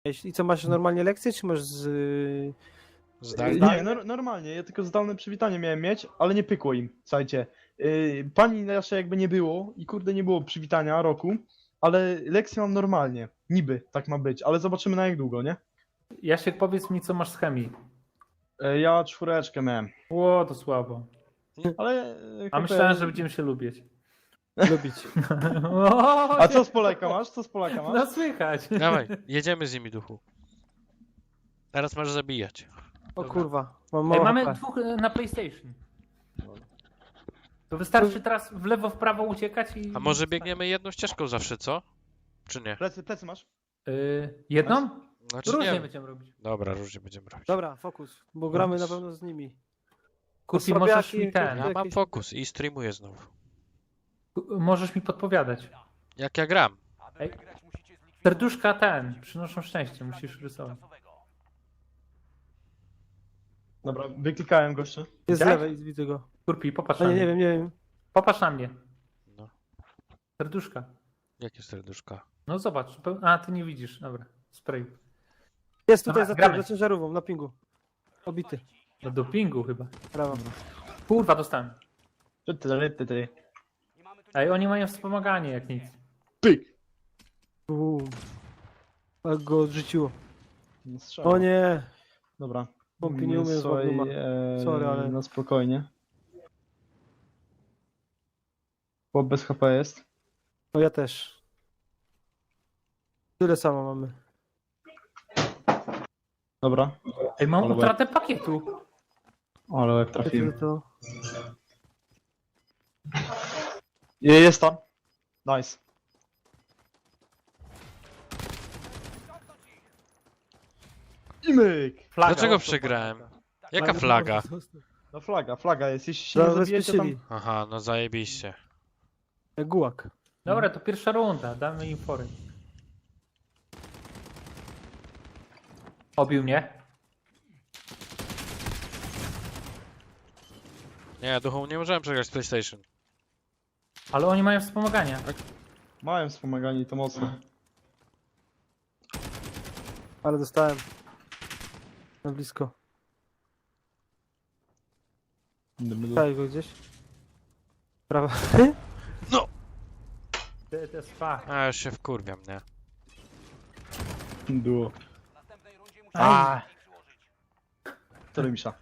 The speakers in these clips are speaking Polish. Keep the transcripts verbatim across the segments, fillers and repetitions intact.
I co, masz normalnie lekcje, czy masz z... y, Zdalnie? Nie, no, normalnie, ja tylko zdalne przywitanie miałem mieć, ale nie pykło im, słuchajcie. Yy, pani raczej jakby nie było i kurde nie było przywitania roku, ale lekcje mam normalnie, niby tak ma być, ale zobaczymy na jak długo, nie? Jasiek, powiedz mi, co masz z chemii. Yy, ja czwóreczkę miałem, Ło, to słabo. ale... Yy, A myślałem, że będziemy się lubić. lubić? O, A co z Polaka masz? Co z Polaka No masz? słychać. Dawaj, jedziemy z nimi, duchu. Teraz masz zabijać. O kurwa, mam Ej, mało mamy H P. dwóch e, na PlayStation. To wystarczy teraz w lewo, w prawo uciekać i... A może biegniemy jedną ścieżką zawsze, co? Czy nie? Plecy, plecy masz? Yy, jedną? Znaczy Różnie nie. będziemy robić. Dobra, różnie będziemy robić. Dobra, fokus, bo gramy na pewno z nimi. Kurpi, Słabiaki, możesz mi ten... Ja mam jakieś- fokus i streamuję znowu. Możesz mi podpowiadać. Jak ja gram. Ej, serduszka ten, przynoszą szczęście, musisz rysować. Dobra, wyklikałem gościa. Jest z Widziałeś? lewej, widzę go. Kurpi, popatrz A na nie, mnie. nie wiem, nie wiem. Popatrz na mnie. No. Serduszka. Jakie serduszka? No zobacz. pe- A, ty nie widzisz. Dobra. Spray. Jest tutaj Dobra, za, gramy. za ciężarówką, na pingu. Obity, Do dopingu chyba. brawo. Kurwa, dostałem. Ty, ty, ty, ty. Ej, oni mają wspomaganie jak nic. Pyk! Bum. Jak go odrzuciło. Nie strzał. O nie, Dobra. Pompi nie umie z Słuchaj, Magnuma. e, Sorry, ale- Na spokojnie. Chłop bez H P jest. no ja też. Tyle samo mamy. Dobra. Ej, mam Ale utratę pakietu. Ale jak Tyle trafiłem. to... Je- Jest tam. Nice. I myk! Flaga. Dlaczego o, przegrałem? flaga. Jaka flaga? No flaga, flaga jest. Jeśli się nie zabijecie tam... Zabezpieczyli. Aha, no zajebiście. Jak gułak. Dobra, to pierwsza runda. Damy im fory. Obił mnie. Nie, duchu, nie możemy przegrać z PlayStation. Ale oni mają wspomagania. Mają wspomaganie i to mocno. Ale dostałem. Na blisko. Daj go gdzieś. Prawa. Ty, to jest fakt. A, już się wkurwiam, nie? Duo. A, Który misza?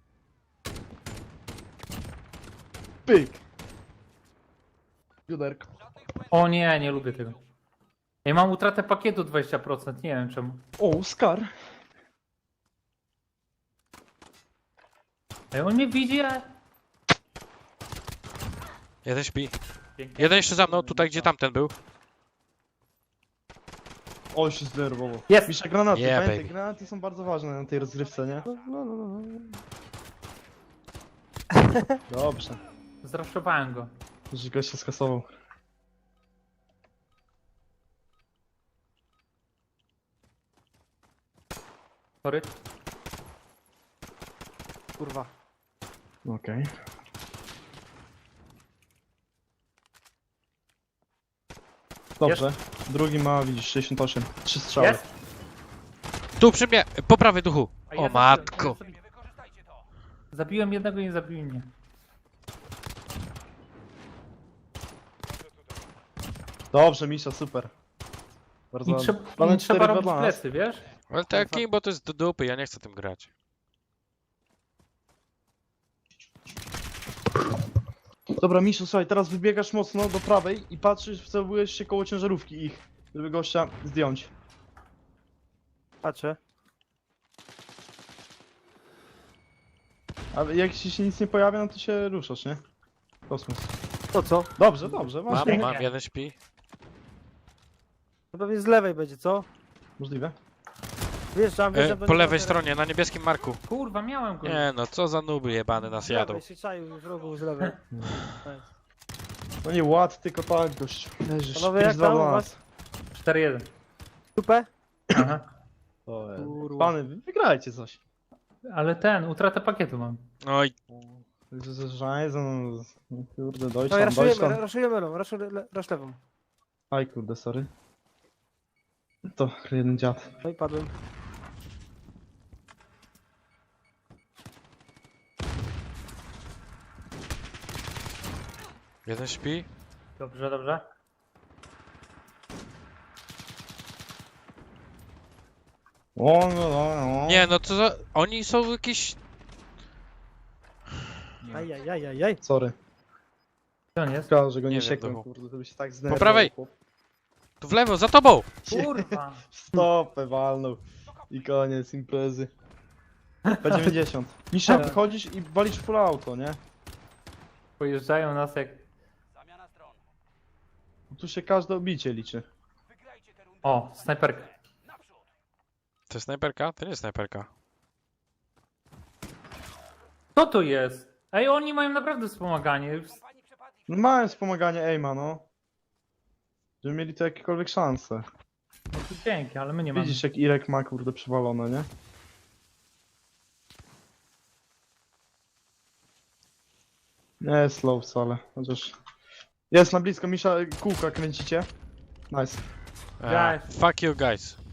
Pyk! Juderko. o nie, nie lubię tego. Ja mam utratę pakietu dwadzieścia procent. Nie wiem czemu. O, Scar. Ej, on mnie widzi, a... Jeden śpi. Pięknie. Jeden jeszcze za mną, tutaj gdzie tamten był. O, się zdenerwował. Jest! Misza granaty. Yeah, Pamiętaj, baby. granaty są bardzo ważne na tej rozgrywce, nie? No, no, no, no. Dobrze. Zraszowałem go. Że gość się skasował. Sorry. Kurwa. Okej. Dobrze. Drugi ma, widzisz, sześćdziesiąt osiem. Trzy strzały. Jest? Tu przy mnie, po prawej duchu. A O ja matko. zabiłem- Zabiłem jednego i nie zabił mnie. Dobrze, Misza, super. Bardzo I, ładnie. trzeba, Mamy i trzeba cztery robić dla nas. plecy, wiesz? Ale to jak Kimbo to jest do dupy, ja nie chcę tym grać. Dobra, Miszu, słuchaj, teraz wybiegasz mocno do prawej i patrzysz, wcelujesz się koło ciężarówki ich, żeby gościa zdjąć. Patrzę. A jak ci się nic nie pojawia, no to się ruszasz, nie? Kosmos. To co? Dobrze, dobrze, Mam, właśnie. mam, jeden śpi. To pewnie z lewej będzie, co? Możliwe. Wjeżdżam, E, wjeżdżam. po lewej stronie, na niebieskim marku. Kurwa, miałem go. Nie no, co za nuby jebany nas jadą. Jadą. się czaił w rogu z lewej. No nie ład, tylko tak, gość. Leżysz. Panowie, pięć jak dwa tam u dla was? nas. cztery jeden. Tupę? Aha. To jest. Kurwa. Pany, wy wygrajcie coś. Ale ten, utratę pakietu mam. Oj, Żajzen, kurde, No i Deutschland, raszujemy, Deutschland. raszujemy lewą, rasz, rasz lewą. Aj kurde, sorry. To jeden dziad. No i padłem. Jeden śpi. Dobrze, dobrze. O, no, no, no. Nie, no to za... Oni są jakieś... Ajajajajaj. Sorry. Gdzie on jest? Szkoda, że go nie, Nie wiem, siekłem, Duchu. kurde, to by się tak zdenerwował. Po prawej! chłop. Tu w lewo, za tobą! Kurwa. Stopę walnął. I koniec imprezy. P dziewięćdziesiąt. Misza, wychodzisz i walisz full auto, nie? Pojeżdżają nas jak... Tu się każde obicie liczy. O, snajperka. To jest snajperka? To nie jest snajperka. Co to jest? Ej, oni mają naprawdę wspomaganie. No mają wspomaganie aima, no. Żeby mieli to jakiekolwiek szanse. No to dzięki, ale my nie mamy. Widzisz jak Irek ma kurde przywalone, nie? Nie jest slow wcale, chociaż... Jest na blisko, Misza, kółka kręcicie. Nice. Uh, fuck you guys.